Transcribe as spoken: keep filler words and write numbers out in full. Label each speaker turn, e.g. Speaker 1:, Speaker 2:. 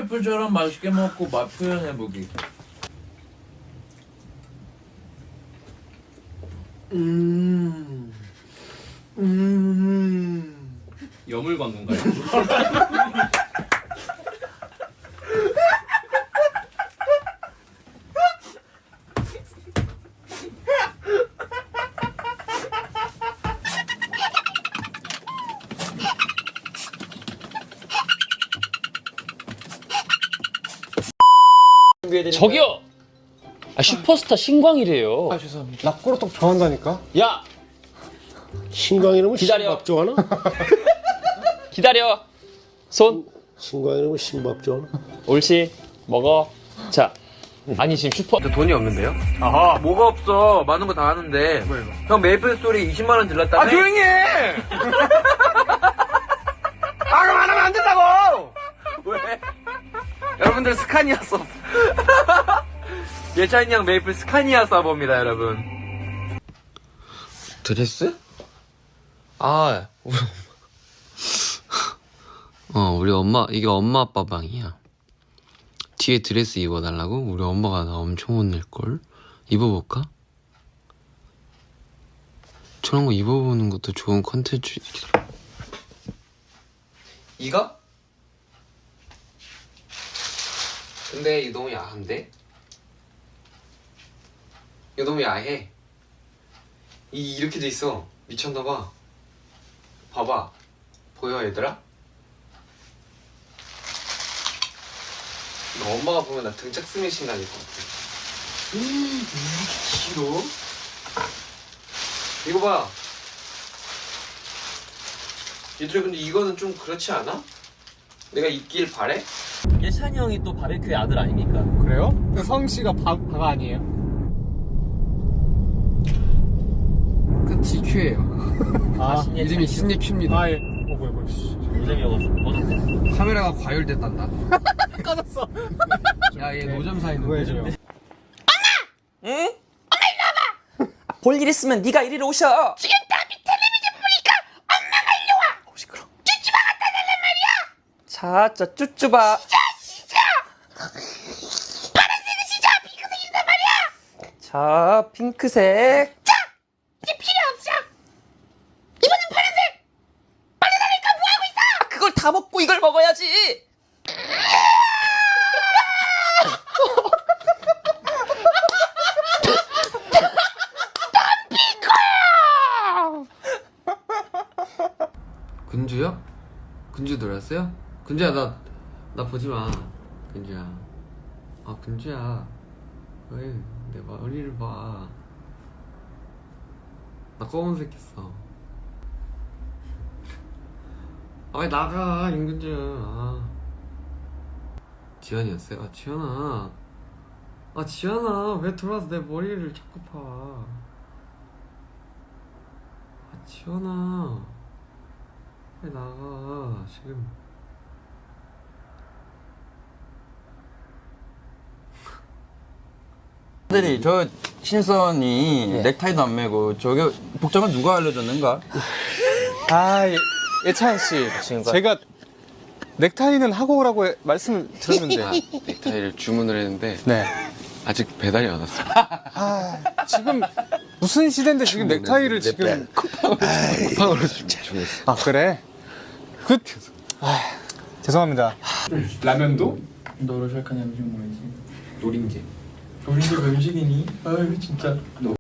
Speaker 1: 셰프처럼 맛있게 먹고 맛 표현해보기.
Speaker 2: 음. 음.
Speaker 3: 여물 광고인가요?
Speaker 4: 저기요! 아, 슈퍼스타 신광이래요.
Speaker 2: 아 죄송합니다. 나 꼬르떡 좋아한다니까.
Speaker 4: 야!
Speaker 5: 신광 이름은
Speaker 4: 기다려.
Speaker 5: 신밥 좋아하나?
Speaker 4: 기다려! 손!
Speaker 5: 신광 이름은 신밥 좋아하나?
Speaker 4: 옳지. 먹어. 자. 아니, 지금 슈퍼.
Speaker 1: 돈이 없는데요?
Speaker 4: 아하.
Speaker 1: 뭐가 없어. 많은 거 다 하는데.
Speaker 2: 뭐야 이거?
Speaker 1: 형 메이플 스토리 이십만 원 들렀다며?
Speaker 2: 아 조용히 해! 아 그럼 안 하면 안 된다고!
Speaker 1: 왜?
Speaker 2: 여러분들 스카니아 써.
Speaker 1: 예찬이 형 메이플 스카니아 서버입니다, 여러분.
Speaker 6: 드레스? 아, 우리 엄마. 어, 우리 엄마, 이게 엄마 아빠 방이야. 뒤에 드레스 입어달라고? 우리 엄마가 나 엄청 혼낼걸? 입어볼까? 저런 거 입어보는 것도 좋은 컨텐츠. 이거? 근데 이거 너무 야한데? 이거 너무 야해. 이 이렇게 돼 있어. 미쳤나봐. 봐봐. 보여 얘들아? 이거 엄마가 보면 나 등짝 스매싱 다닐 것 같아. 음, 이렇게 길어? 이거 봐. 얘들아 근데 이거는 좀 그렇지 않아? 내가 입길 바래?
Speaker 4: 예찬이 형이 또 바베큐의 아들 아닙니까?
Speaker 2: 그래요? 근데 성 씨가 바, 바가 아니에요?
Speaker 5: 끝이 큐예요.
Speaker 2: 아
Speaker 5: 이름이 신예큐입니다.
Speaker 2: 아 예. 어 뭐야 뭐야. 씨.
Speaker 4: 노잼이어가지고. 꺼졌대.
Speaker 5: 카메라가 과열됐단다.
Speaker 2: 꺼졌어.
Speaker 5: 야, 얘 노점사 있는
Speaker 2: 뭐야
Speaker 5: 거죠?
Speaker 2: 지금?
Speaker 7: 볼 일 있으면 네가 이리로 오셔. 지금 답이 텔레비전 보니까 엄마가 일로 와. 어, 시끄러. 쭈쭈바 갖다 달란 말이야. 자, 저 쭈쭈바. 진짜, 진짜. 파란색은 진짜 핑크색이란 말이야. 자, 핑크색. 자, 이제 필요 없어. 이번엔 파란색. 빨리 다니까 뭐 하고 있어? 아, 그걸 다 먹고 이걸 먹어야지.
Speaker 6: 근주요? 근주 놀았어요? 근주야 나, 나 보지마. 근주야. 아 근주야. 왜 내 머리를 봐. 나 검은색 했어. 아 왜 나가 임근주. 아. 지연이었어요? 아 지연아. 아 지연아 왜 들어와서 내 머리를 자꾸 봐. 아 지연아 왜 나가 지금.
Speaker 1: 근데 저 신선이 넥타이도 안 매고 저게 복장은 누가 알려줬는가?
Speaker 2: 아 예, 예찬 씨. 제가 넥타이는 하고 오라고 해- 말씀을 드렸는데.
Speaker 6: 아, 넥타이를 주문을 했는데
Speaker 2: 네.
Speaker 6: 아직 배달이 안 왔어.
Speaker 2: 아 지금 무슨 시대인데 지금 넥타이를 지금.
Speaker 6: 쿠팡으로 주문했어.
Speaker 2: 아 그래? 그. 아 죄송합니다. 라면도?
Speaker 3: 너를 시작한 음식 뭐지?
Speaker 6: 노린재.
Speaker 3: 우리 집 음식이니? 아유 진짜